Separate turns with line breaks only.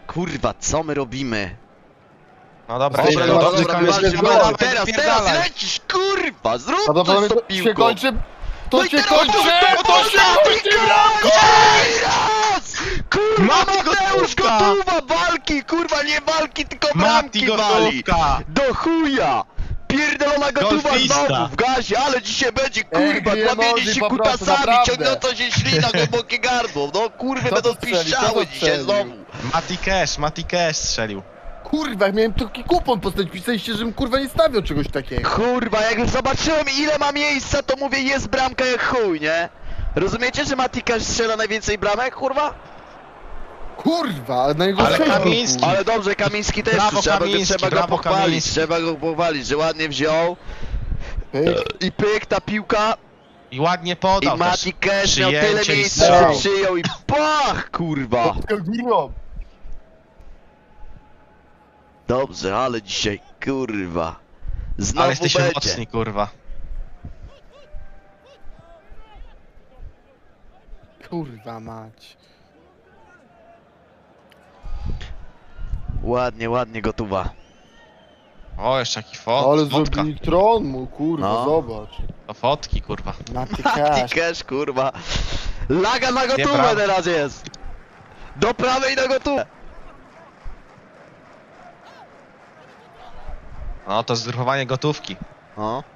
Kurwa, co my robimy?
No dobra,
Dobra,
dobra,
dobra,
dobra,
dobra,
dobra,
Teraz lecisz, kurwa, zrób coś z tą
Prawdopodobnie to się
piłką.
kończy.
No
To
i
się
teraz
kończy! To się kończy!
raz! Kurwa,
Mati
Mateusz
Gotówka!
Gotuwa, walki, kurwa, nie walki, tylko bramki
Mati
wali.
Gotówka!
Do chuja! Pierdolona Gotuwa
Golfista.
znowu w gazie, ale dzisiaj będzie, kurwa,
Ej,
kłamienie
emoji
się
po prostu,
kutasami,
naprawdę.
ciągnąca się ślina, głębokie gardło. No kurwy
Kto
będą
to strzelił?
piszczały
Kto to
dzisiaj
strzelił?
znowu.
Mati Cash strzelił.
Kurwa, jak miałem taki kupon postawić, pisaliście, żebym kurwa nie stawiał czegoś takiego.
Kurwa, jak już zobaczyłem ile ma miejsca, to mówię jest bramka jak chuj, nie? Rozumiecie, że Matikasz strzela najwięcej bramek, kurwa?
Kurwa, ale na jego
Ale
sześć był,
Kamiński-
kurwa.
Ale dobrze, Kamiński też
Brawo,
trzeba
Kamiński,
go
brawo,
pochwalić,
Kamiński.
trzeba go pochwalić, że ładnie wziął
Pyk.
i pyk ta piłka
I ładnie
i
podał też.
Mati Cash miał tyle
Przyjęcie i
miejsca,
strzał.
że przyjął i pach, kurwa.
Kurwa.
Dobrze, ale dzisiaj, kurwa, znowu
Ale jesteśmy
będzie.
mocni, kurwa.
Kurwa mać.
Ładnie, ładnie Gotuwa.
O, jeszcze jaki
Ale
fotka.
zrobili tron mu, kurwa,
No.
zobacz.
To fotki, kurwa.
Mati
Mati
Cash.
Cash, kurwa. Laga na Gotówę
brawo.
teraz jest. Do prawej na Gotówę.
No to zgrupowanie gotówki.
O.